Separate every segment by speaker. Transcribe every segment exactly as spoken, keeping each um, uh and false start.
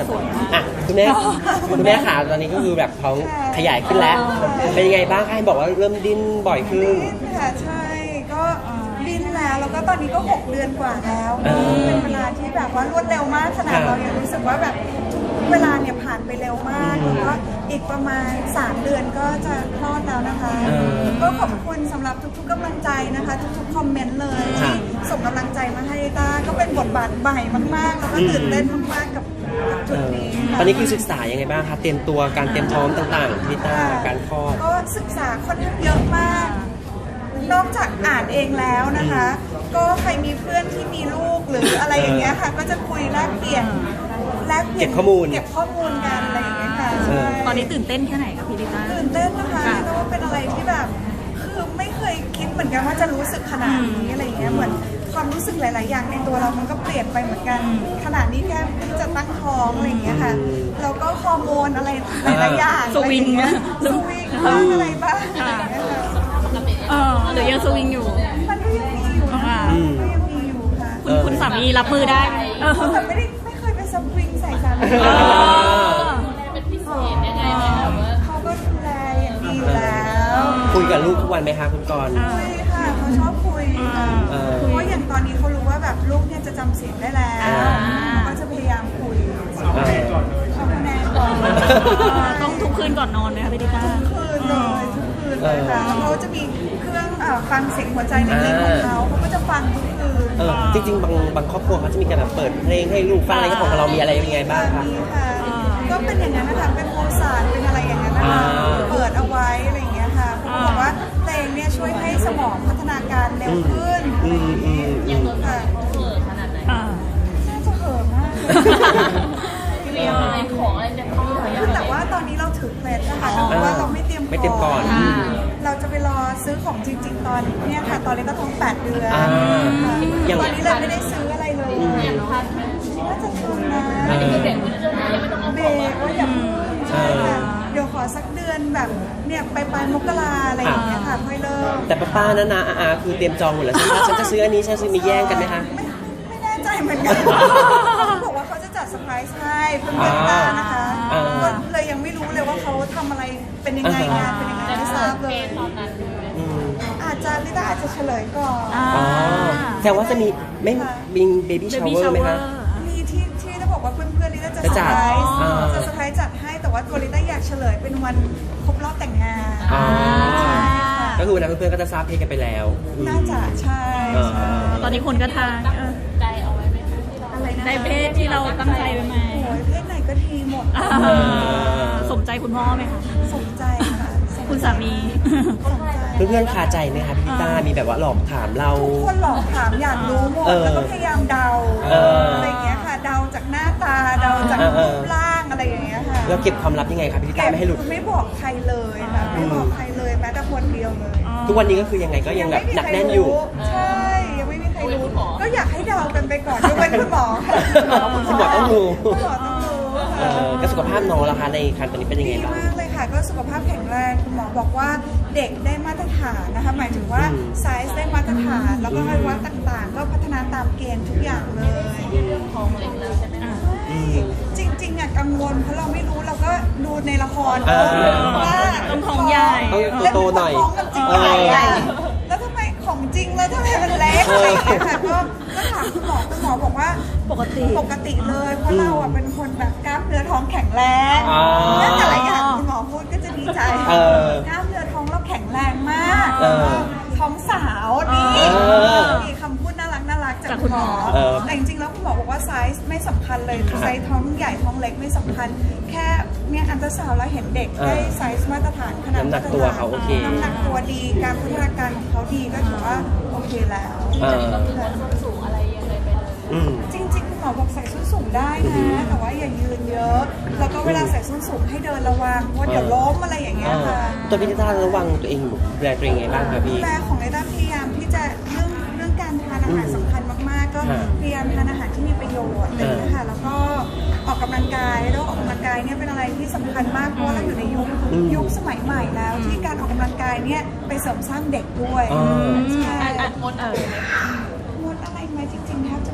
Speaker 1: สวยมาก
Speaker 2: อ่ะคุณแม่คุณแม่ขาตอนนี้ก็คือแบบท้องขยายขึ้นแล้วเป็นยังไงบ้างคะให้บอกว่าเริ่มดิ้นบ่อยขึ้น
Speaker 3: ดิ้นค่ะใช่ก็ดิ้นแล้วแล้วก็ตอนนี้ก็หกเดือนกว่าแล้วเป็นเวลาที่แบบว่ารวดเร็วมากขนาดเรายังรู้สึกว่าแบบเวลาเนี่ยผ่านไปเร็วมากแล้วก็อีกประมาณสามเดือนก็จะคลอดแล้วนะคะก็ขอบคุณสำหรับทุกๆกำลังใจนะคะทุกๆคอมเมนต์เลยที่ส่งกำลังใจมาให้ต้าก็เป็นบทบาทใหม่มากๆแล้วก็ตื่นเต้นมากๆกับจุดนี้
Speaker 2: ตอนนี้คือศึกษายังไงบ้างคะเตรียมตัวการเตรียมพร้อมต่างๆพี่ต้าการคลอด
Speaker 3: ก็ศึกษาค่อนข้างเยอะมากนอกจากอ่านเองแล้วนะคะก็ใครมีเพื่อนที่มีลูกหรืออะไรอย่างเงี้ยค่ะก็จะคุยแลกเปลี่ยนแลกเปลี่ยน
Speaker 2: เก็บข้อมูล
Speaker 3: เก็บข้อมูลกันอะไรอย่างเงี้ยค่ะ
Speaker 1: ตอนนี้ตื่นเต้นแค่ไหนคะพี่ดิต้า
Speaker 3: ตื่นเต้นนะคะแต่ว่าเป็นอะไรที่แบบคือไม่เคยคิดเหมือนกันว่าจะรู้สึกขนาดนี้อะไรอย่างเงี้ยเหมือนความรู้สึกหลายๆอย่างในตัวเรามันก็เปลี่ยนไปเหมือนกันขนาดนี้แค่ที่จะตั้งท้องอะไรอย่างเงี้ยค่ะแล้วก็ฮอร์โมนอะไรหลายๆอย่าง
Speaker 1: สวิง
Speaker 3: สวิงบ้างอะไรบ้าง
Speaker 1: เออหรือยังสวิงอยู่
Speaker 3: มันก็ยังมีอยู่นะก็ยังมีอยู่ค่ะ
Speaker 1: คุณคุณสามีรับมือได้
Speaker 3: แต่ไม่ได้ไม่เคยไปสวิงใส่สามี
Speaker 4: เป็นพิเศษยังไงไหมคะว่า
Speaker 3: เขาก็ดูแลอย่างดีอยู่แล้ว
Speaker 2: คุยกับลูกทุกวันไหมคะคุณกรณ์
Speaker 3: คุยค่ะเขาชอบคุยค่ะเพราะอย่างตอนนี้เขารู้ว่าแบบลูกเนี่ยจะจำเสียงได้แล้วก็จะพยายามคุยเขาแน่ก่อน
Speaker 1: ต้องทุกคืนก่อนนอนไหมคะพี่ดิต้า
Speaker 3: ทุกคืนเลยทุกคืนเลยค่ะเขาจะมีเครื่องฟังเสียงหัวใจในเล็กของเขาเขาก็จะฟังทุกคืน
Speaker 2: จริงๆบางบางครอบครัวเขาจะมีการแบบเปิดเพลงให้ลูกฟังอะไรของเรามีอะไรยังไงบ้างคะ
Speaker 3: ก็เป็นอย่างนั้นนะคะเป็นโมซาร์ทเป็นอะไรอย่างนั้นนะคะเปิดเอาไว้อะไรอย่างเงี้ยค่ะเขาบอกว่าเพลงเนี่ยช่วยให้สมองพัฒนาการเร็วขึ้น
Speaker 4: อย่างตัวค่ะเห่อขนาดไหน
Speaker 3: น่าจะเห่อมาก
Speaker 4: เรียนอะไรของอะไรจะต้อง
Speaker 3: คือแต่ว่าตอนนี้เราถือเคล็ดนะคะเพราะว่าเราไม่เตรียม
Speaker 2: ไม่เตรียมก่อน
Speaker 3: เราจะไปรอซื้อของจริงๆตอนเนี่ยค่ะตอนนี้ก็ท้องแปดเดือนตอนนี้เลยไม่ได้ซื้ออะไรเลยน่าจะทันนะ
Speaker 4: เบรกไม่ต้องยังไม่ต้อง
Speaker 3: เบรกว่าอย่าใช่ค่ะเดี๋ยวขอสักเดือนแบบเนี่ยไปปลายมกราอะไรอย่างเงี้ยค่ะค่อยเริ่ม
Speaker 2: แต่ป้าๆนะนะอาคือเตรียมจองหมดแล้วใช่ไหมฉันจะซื้ออันนี้ฉันซื้อมีแย่งกันไหมคะ
Speaker 3: ไม่ไม่แน่ใจเหมือนกันเขาบอกว่าเขาจะจัดเซอร์ไพรส์ให้เพื่อนๆต้านะคะก็เลยยังไม่รู้เลยว่าเขาทำอะไรเป็นยังไงงานเป็นยังไงไม่ทราบเลยอาจจะลิต้าอาจจะเฉลยก่อน
Speaker 2: แต่ว่าจะมีไม่มีเบบี้ชาวเวอร์ไหมคะ
Speaker 3: มีที่ที่จะบอกว่าเพื่อนๆลิต้าจะเซอร์ไพรส์จะเซอร์ไพรส์จัดให้แต่ว่าตัวลิต้าอยากเฉลยเป็นวันครบรอบแต่งงาน
Speaker 2: ก็คือวันนั้นเพื่อนๆก็จะทราบเพศกันไปแล้ว
Speaker 3: น่าจะใช่
Speaker 1: ตอนนี้คนก็ทาย
Speaker 4: ใจเอาไว้ไหมคะ
Speaker 3: อะไรนะ
Speaker 1: ในเพศที่เราตั้งใจไว้ไหม
Speaker 3: โอ้ยเพศไหนก็ดีหมด
Speaker 1: สมใจคุณพ่อไหมคะ
Speaker 3: สมใจค่ะ
Speaker 1: คุณสามี
Speaker 2: เพื่อนๆคาใจไหมคะพี่ต้ามีแบบว่าหลอกถามเรา
Speaker 3: ทุกคนหลอกถามอยากรู้หมดแล้วก็พยายามเดาอะไรอย่างเงี้ยค่ะเดาจากหน้าตาเดาจากรูปร่างอะไรอย่างเงี้ยค่ะ
Speaker 2: เราเก็บความลับยังไงคะพี่ต้าไม่ให้หลุด
Speaker 3: ไม่บอกใครเลยค่ะไม่บอกใครเลยแม้แต่คนเดียวเลย
Speaker 2: ทุกวันนี้ก็คือยังไงก็ยังแบบหนักแน่นอยู่
Speaker 3: ใช่ยังไม่มีใครรู้ก็อยากให้เดากันไปก่อนยกเว้นคุณหมอ
Speaker 2: คุณหมอต้องรู้
Speaker 3: คุณหมอต้องรู้
Speaker 2: ก็สุขภาพน้องล่ะคะในครรภ์ตอนนี้เป็นยังไงบ้าง
Speaker 3: ดีมากเลยค่ะก็สุขภาพแข็งแรงคุณหมอบอกว่าเด็กได้มาตรฐานนะคะหมายถึงว่าไซส์ได้มาตรฐานแล้วก็อวัยวะต่างๆก็พัฒนาตามเกณฑ์ทุกอย่างเลย
Speaker 4: เรื่องท้องเล็กแล้วใช่ไหมคะ
Speaker 3: จริงๆอ่ะกังวลเพราะเราไม่รู้เราก็ดูในละครว่า
Speaker 1: ต้องท้องใหญ่
Speaker 2: โตหน่อย
Speaker 3: ท้องมันจริงใหญ่แล้วทำไมของจริงแล้วทำไมมันเล็กอะไรอย่างเงี้ยค่ะก็ก็ถามคุณหมอคุณหมอบอกว่า
Speaker 1: ปกติ
Speaker 3: ปกติเลยเพราะเราอ่ะเป็นคนแบบกล้ามเนื้อท้องแข็งแรงนั่นแต่ละอย่างคุณหมอพูดก็จะดีใจกล้ามเนื้อท้องเราแข็งแรงมากท้องสาวนี่มีคำพูดน่ารักน่ารักจากคุณหมอแต่จริงๆแล้วคุณหมอบอกว่าไซส์ไม่สำคัญเลยไซส์ท้องใหญ่ท้องเล็กไม่สำคัญแค่เนี่ยอันตราซาวด์แล้วเห็นเด็กได้ไซส์มาตรฐานขนาด
Speaker 2: น้ำหนักตัวเขาโอเค
Speaker 3: น้ำหนักตัวดีการพัฒนาการของเขาดีก็ถือว่าโอเคแล้ว
Speaker 4: สูงอะไรยังไงไปเลย
Speaker 3: จริงๆคุณหมอบอกใส่ส้นสูงได้นะแต่ว่าอย่ายืนเยอะแล้วก็เวลาใส่ส้นสูงให้เดินระวังว่าเดี๋ยวล้มอะไรอย่างเงี้ยค่ะ
Speaker 2: ตัวพี่ลิต้าระวังตัวเองดูแลตัวเองไงบ้างคะพี่
Speaker 3: ดูแลของลิต้าพยายามที่จะเรื่องเรื่องการทานอาหารสำคัญมากๆก็พยายามทานอาหารที่มีประโยชน์เลยนะคะแล้วก็ออกกำลังกายแล้วออกกำลังกายเนี่ยเป็นอะไรที่สำคัญมากเพราะว่าเราอยู่ในยุคยุคสมัยใหม่แล้วที่การออกกำลังกายเนี่ยไปเสริมสร้างเด็กด้วยใช่
Speaker 4: งดเออง
Speaker 3: ดอะไรไหมจริงๆแทบจะ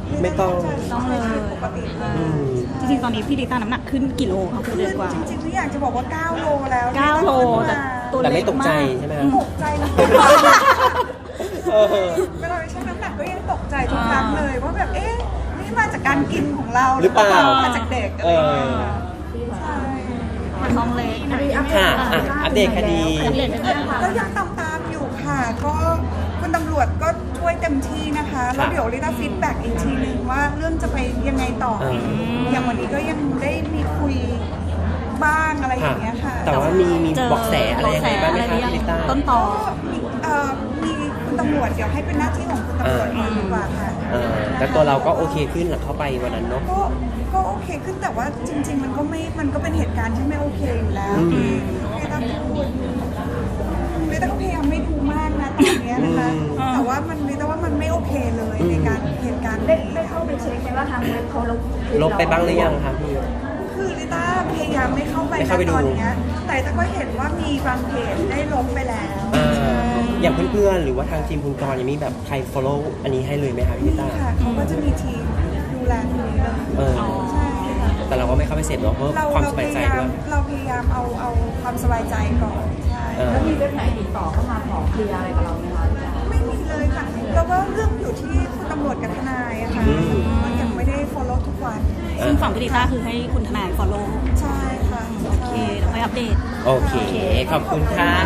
Speaker 2: ไม่ต้อง
Speaker 3: ต้องเลยปกติเลย
Speaker 2: อืม
Speaker 1: จริงๆ ตอนนี้พี่ลิต้าน้ำหนักขึ้นกี่โลคะคุณเดือนกว่า
Speaker 3: จริงๆพี่อยากจะบอกว่าเก้าโลแล้ว
Speaker 1: เก้าโลแต่ตัว
Speaker 2: แต่
Speaker 1: เล็
Speaker 2: ไม่
Speaker 1: ก
Speaker 2: ตกใจ
Speaker 1: มาก
Speaker 2: ใช่ไหม
Speaker 3: ตกใจนะ
Speaker 2: เออ
Speaker 3: เวลาไปชั่งน้ำหนักก็ยังตกใจทุกครั้งเลยว่าแบบเอ๊ะนี่มาจากการกินของเรา
Speaker 2: หรือเปล่า
Speaker 3: มาจากเด็กอะไร
Speaker 2: เอ
Speaker 3: อย่าง
Speaker 2: อ
Speaker 3: เงี้ยใช่
Speaker 1: น้องเล็ก
Speaker 2: ค่ะอ่ะ อัปเดตคดี
Speaker 1: อัปเดตกันเลยค่ะ
Speaker 3: ก็ยังตามตามๆอยู่ค่ะ ก็คุณตำรวจก็ช่วยเต็มที่นะคะ แล้วเดี๋ยวลิต้าฟีดแบ็กอีกทีนึงว่าเรื่องจะไปยังไงต่อ
Speaker 2: เออ
Speaker 3: อย่างวันนี้ก็ยังได้มีคุยบ้างอะไรอย่างเงี้ยค่ะ
Speaker 2: แต่ว่ามีมี
Speaker 1: เจอ
Speaker 2: เบอกแสอะไรยังไงบ้างไหม
Speaker 1: เบาะแส
Speaker 2: คะ
Speaker 1: อะไรหรือยัง
Speaker 2: พี่ลิต้า
Speaker 1: ต้นต่อ
Speaker 3: ก็มีเอ่อมีคุณตำรวจเดี๋ยวให้เป็นหน้าที่ของคุณตำรวจ
Speaker 2: เออ
Speaker 3: ดีกว่าค่ะ
Speaker 2: เออแต่ตัวเราก็โอเคขึ้นหลังเข้าไปวันนั้นเนาะ
Speaker 3: ก็ก็โอเคขึ้นแต่ว่าจริง ๆ มันก็ไม่มันก็เป็นเหตุการณ์ที่ไม่โอเคอยู่แล้ว
Speaker 2: อืม
Speaker 3: ที่ที่ต้องพูดลิต้าก็พยายามไม่ดูมากนะตอนเนี้ยนะคะ
Speaker 2: อืม
Speaker 3: แต่ว่ามันลิต้าว่ามันไม่โอเคเลยในการเหตุการณ์
Speaker 5: ได้
Speaker 3: นี้
Speaker 5: ได้เข้าไปเช็คไหมว่าทางเว็บเขาลบ
Speaker 2: ลบไปบ้างหรือยังคะพี่
Speaker 3: คือลิต้าพยายามไม่เข้าไป
Speaker 2: ไม่เข้าไป
Speaker 3: นะ
Speaker 2: ดู
Speaker 3: ตอนเนี้ยแต่ลิต้าก็เห็นว่ามีบางเพจได้ลบไปแล้ว
Speaker 2: อ่าอย่างเพื่อนๆ หรือว่าทางทีมคุณกรณ์ยังมีแบบใคร follow อันนี้ให้เลยไหมคะพี่ลิ
Speaker 3: นี่
Speaker 2: ต้า
Speaker 3: ค่ะเขาก็จะมีทีมดูแลตรงนี้เลย
Speaker 2: เออ
Speaker 3: ใช่ค่ะ
Speaker 2: แต่เราก็ไม่เข้าไปเสพเนาะเพราะ
Speaker 3: เรา
Speaker 2: ความ
Speaker 3: เรา
Speaker 2: ส
Speaker 3: พ
Speaker 2: บาย
Speaker 3: ยา
Speaker 2: ใจ
Speaker 3: ยาม
Speaker 2: ด้วย
Speaker 3: เราพยายามเอาเอาความสบายใจก่อนใช่
Speaker 2: เออ
Speaker 5: แล้วมีเว็บไหนติดต่อเข้ามาขอเคลียร์อะไรกับเราไหมคะ
Speaker 3: ไม่มีเลยค่ะแล้วก็เรื่องอยู่ที่คุณตำรวจกับทนายอะค่ะ
Speaker 2: อืม
Speaker 3: ก็ยังไม่ได้ follow ทุกวัน
Speaker 1: ซึ่งฝั่งพี่ลิต้าคือให้คุณทนาย follow
Speaker 3: ใช่ค่ะ
Speaker 1: โอเคเดี๋ยวค่อยอัปเดต
Speaker 2: โอเค ขอบคุณค่ะ